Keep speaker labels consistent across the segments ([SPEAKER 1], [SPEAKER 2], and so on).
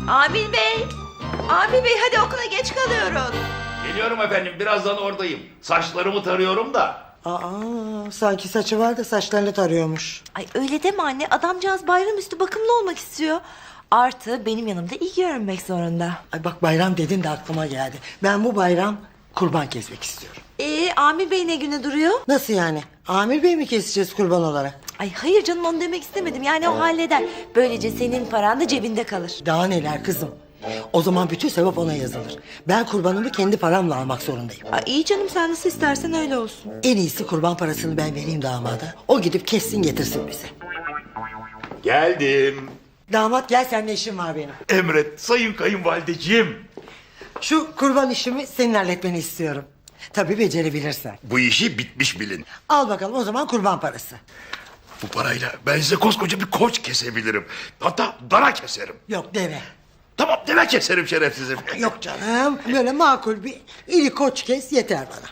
[SPEAKER 1] Amil Bey! Amil Bey hadi okula geç kalıyoruz.
[SPEAKER 2] Geliyorum efendim, birazdan oradayım. Saçlarımı tarıyorum da.
[SPEAKER 3] Sanki saçı var da saçlarını tarıyormuş.
[SPEAKER 1] Ay öyle deme anne, adamcağız bayramüstü bakımlı olmak istiyor. Artı benim yanımda iyi görünmek zorunda.
[SPEAKER 3] Ay bak bayram dedin de aklıma geldi. Ben bu bayram kurban kesmek istiyorum.
[SPEAKER 1] Amil Bey ne güne duruyor?
[SPEAKER 3] Nasıl yani? Amir Bey mi keseceğiz kurban olarak?
[SPEAKER 1] Ay hayır canım, onu demek istemedim. Yani o halleder. Böylece senin paran da cebinde kalır.
[SPEAKER 3] Daha neler kızım? O zaman bütün sevap ona yazılır. Ben kurbanımı kendi paramla almak zorundayım.
[SPEAKER 1] Ay iyi canım, sen nasıl istersen öyle olsun.
[SPEAKER 3] En iyisi kurban parasını ben vereyim damada. O gidip kessin getirsin bize.
[SPEAKER 2] Geldim.
[SPEAKER 3] Damat gel, seninle işim var benim.
[SPEAKER 2] Emret sayın kayınvalideciğim.
[SPEAKER 3] Şu kurban işimi senin halletmeni istiyorum. Tabii becerebilirsen.
[SPEAKER 2] Bu işi bitmiş bilin.
[SPEAKER 3] Al bakalım o zaman kurban parası.
[SPEAKER 2] Bu parayla ben size koskoca bir koç kesebilirim. Hatta dana keserim.
[SPEAKER 3] Yok deve.
[SPEAKER 2] Tamam, deve keserim şerefsizim.
[SPEAKER 3] Yok canım, böyle makul bir iri koç kes yeter bana.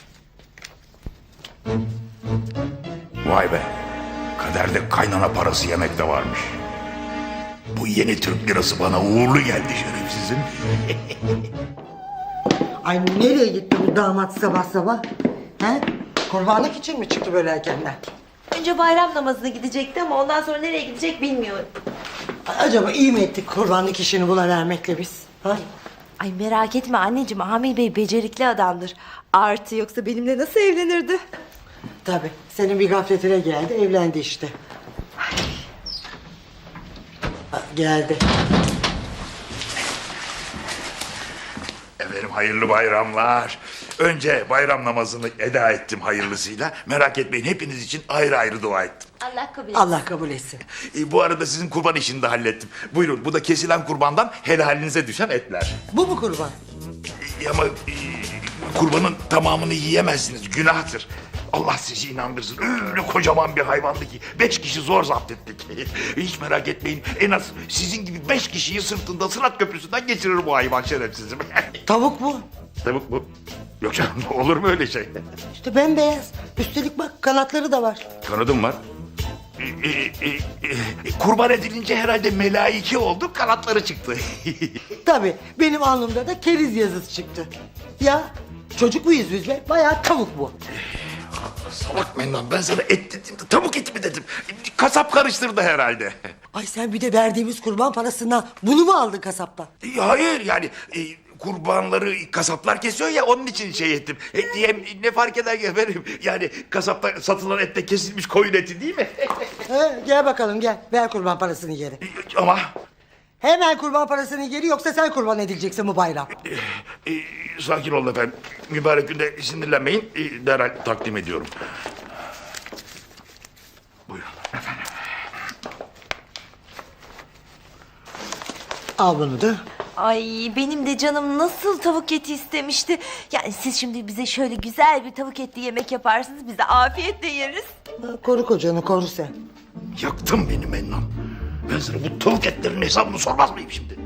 [SPEAKER 2] Vay be. Kaderde kaynana parası yemek de varmış. Bu yeni Türk lirası bana uğurlu geldi şerefsizim.
[SPEAKER 3] Ay nereye gitti bu damat sabah sabah? He? Kurbanlık için mi çıktı böyle erkenden?
[SPEAKER 1] Önce bayram namazına gidecekti ama ondan sonra nereye gidecek bilmiyorum.
[SPEAKER 3] Acaba iyi mi ettik kurbanlık işini buna vermekle biz? Ha?
[SPEAKER 1] Ay merak etme anneciğim, Amil Bey becerikli adamdır. Artı yoksa benimle nasıl evlenirdi?
[SPEAKER 3] Tabii, senin bir gafletine geldi, evlendi işte. Geldi.
[SPEAKER 2] Efendim hayırlı bayramlar. Önce bayram namazını eda ettim hayırlısıyla. Merak etmeyin, hepiniz için ayrı ayrı dua ettim.
[SPEAKER 1] Allah kabul etsin.
[SPEAKER 3] Allah kabul etsin.
[SPEAKER 2] Bu arada sizin kurban işini de hallettim. Buyurun, bu da kesilen kurbandan helalinize düşen etler.
[SPEAKER 3] Bu mu kurban?
[SPEAKER 2] Ama kurbanın tamamını yiyemezsiniz, günahtır. Allah sizi inandırsın. Öyle kocaman bir hayvandı ki 5 kişi zor zapt ettik. Hiç merak etmeyin. En az sizin gibi 5 kişiyi sırtında Sırat Köprüsü'nden geçirir bu hayvan şerefsizim.
[SPEAKER 3] Tavuk bu.
[SPEAKER 2] Tavuk bu. Yok canım, olur mu öyle şey?
[SPEAKER 3] İşte bembeyaz. Üstelik bak kanatları da var.
[SPEAKER 2] Kanadım var. Kurban edilince herhalde melaike oldu, kanatları çıktı.
[SPEAKER 3] Tabii benim alnımda da keriz yazısı çıktı. Ya çocuk muyuz biz be? Bayağı tavuk bu.
[SPEAKER 2] Salak Mennan, ben sana et dedim de tavuk eti mi dedim. Kasap karıştırdı herhalde.
[SPEAKER 3] Ay sen bir de verdiğimiz kurban parasından bunu mu aldın kasaptan?
[SPEAKER 2] Hayır yani kurbanları kasaplar kesiyor ya, onun için şey ettim. Ne fark eder ki efendim? Yani kasapta satılan ette kesilmiş koyun eti değil mi?
[SPEAKER 3] Gel bakalım gel. Ver kurban parasını geri.
[SPEAKER 2] Ama
[SPEAKER 3] Hemen kurban parasını geri, yoksa sen kurban edileceksin bu bayram.
[SPEAKER 2] sakin olun efendim. Mübarek günde sinirlenmeyin. Derhal takdim ediyorum. Buyurun efendim.
[SPEAKER 3] Al bunu da.
[SPEAKER 1] Ay benim de canım nasıl tavuk eti istemişti. Yani siz şimdi bize şöyle güzel bir tavuk etli yemek yaparsınız, biz de afiyetle yeriz.
[SPEAKER 3] Koru kocanı, koru sen.
[SPEAKER 2] Yaktın beni Mennan. Ben sana bu tavuk etlerinin hesabını sormaz mıyım şimdi?